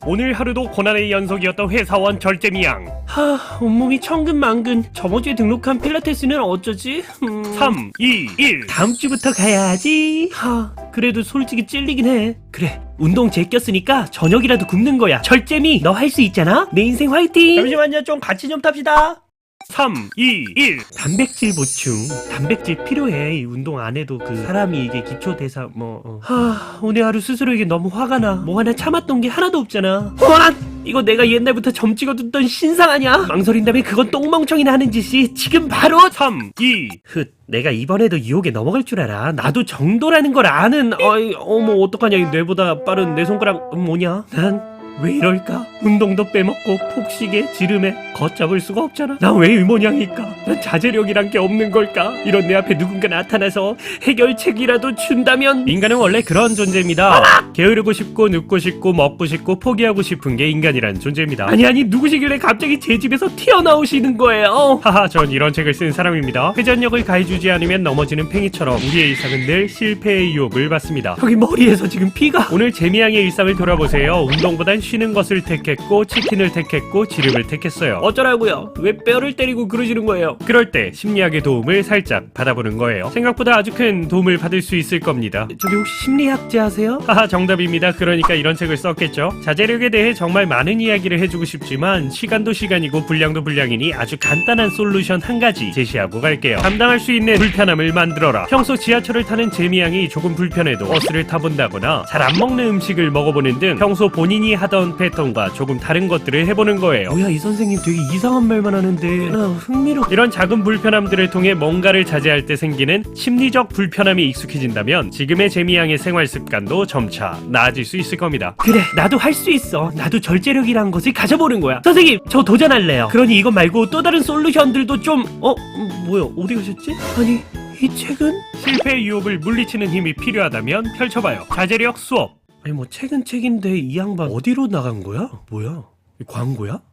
오늘 하루도 고난의 연속이었던 회사원 절제미양. 온몸이 천근만근. 저번 주에 등록한 필라테스는 어쩌지? 3, 2, 1. 다음 주부터 가야지. 그래도 솔직히 찔리긴 해. 그래, 운동 제꼈으니까 저녁이라도 굶는 거야. 절제미, 너 할 수 있잖아? 내 인생 화이팅! 잠시만요, 좀 같이 좀 탑시다. 3, 2, 1. 단백질 보충. 단백질 필요해. 이 운동 안 해도 사람이 이게 기초 대사 오늘 하루 스스로에게 너무 화가 나. 뭐 하나 참았던 게 하나도 없잖아. 이거 내가 옛날부터 점 찍어둔던 신상 아니야? 망설인다면 그건 똥멍청이나 하는 짓이 지금 바로 3, 2. 내가 이번에도 유혹에 넘어갈 줄 알아. 나도 정도라는 걸 아는. 어머 어떡하냐. 이 뇌보다 빠른 내 손가락 뭐냐? 난 왜 이럴까? 운동도 빼먹고 폭식에 지름에 걷잡을 수가 없잖아. 난 왜 이 모양일까? 난 자제력이란 게 없는 걸까? 이런 내 앞에 누군가 나타나서 해결책이라도 준다면. 인간은 원래 그런 존재입니다. 게으르고 싶고 눕고 싶고 먹고 싶고 포기하고 싶은 게 인간이란 존재입니다. 아니 누구시길래 갑자기 제 집에서 튀어나오시는 거예요? 하하, 전 이런 책을 쓴 사람입니다. 회전력을 가해주지 않으면 넘어지는 팽이처럼 우리의 일상은 늘 실패의 유혹을 받습니다. 여기 머리에서 지금 피가. 오늘 재미양의 일상을 돌아보세요. 운동보단 쉬는 것을 택했고 치킨을 택했고 지름을 택했어요. 어쩌라고요? 왜 뼈를 때리고 그러시는 거예요? 그럴 때 심리학의 도움을 살짝 받아보는 거예요. 생각보다 아주 큰 도움을 받을 수 있을 겁니다. 저기 혹시 심리학자세요? 하하, 정답입니다. 그러니까 이런 책을 썼겠죠. 자제력에 대해 정말 많은 이야기를 해주고 싶지만 시간도 시간이고 분량도 분량이니 아주 간단한 솔루션 한 가지 제시하고 갈게요. 감당할 수 있는 불편함을 만들어라. 평소 지하철을 타는 재미양이 조금 불편해도 버스를 타본다거나 잘 안 먹는 음식을 먹어보는 등 평소 본인이 하던 패턴과 조금 다른 것들을 해보는 거예요. 뭐야, 이 선생님 되게 이상한 말만 하는데 흥미롭. 이런 작은 불편함들을 통해 뭔가를 자제할 때 생기는 심리적 불편함이 익숙해진다면 지금의 재미양의 생활 습관도 점차 나아질 수 있을 겁니다. 그래, 나도 할 수 있어. 나도 절제력이라는 것을 가져보는 거야. 선생님, 저 도전할래요. 그러니 이것 말고 또 다른 솔루션들도 좀. 뭐야, 어디 가셨지? 아니, 이 책은? 실패의 유혹을 물리치는 힘이 필요하다면 펼쳐봐요. 자제력 수업. 아니 뭐 책은 책인데 이 양반 어디로 나간 거야? 뭐야? 이 광고야?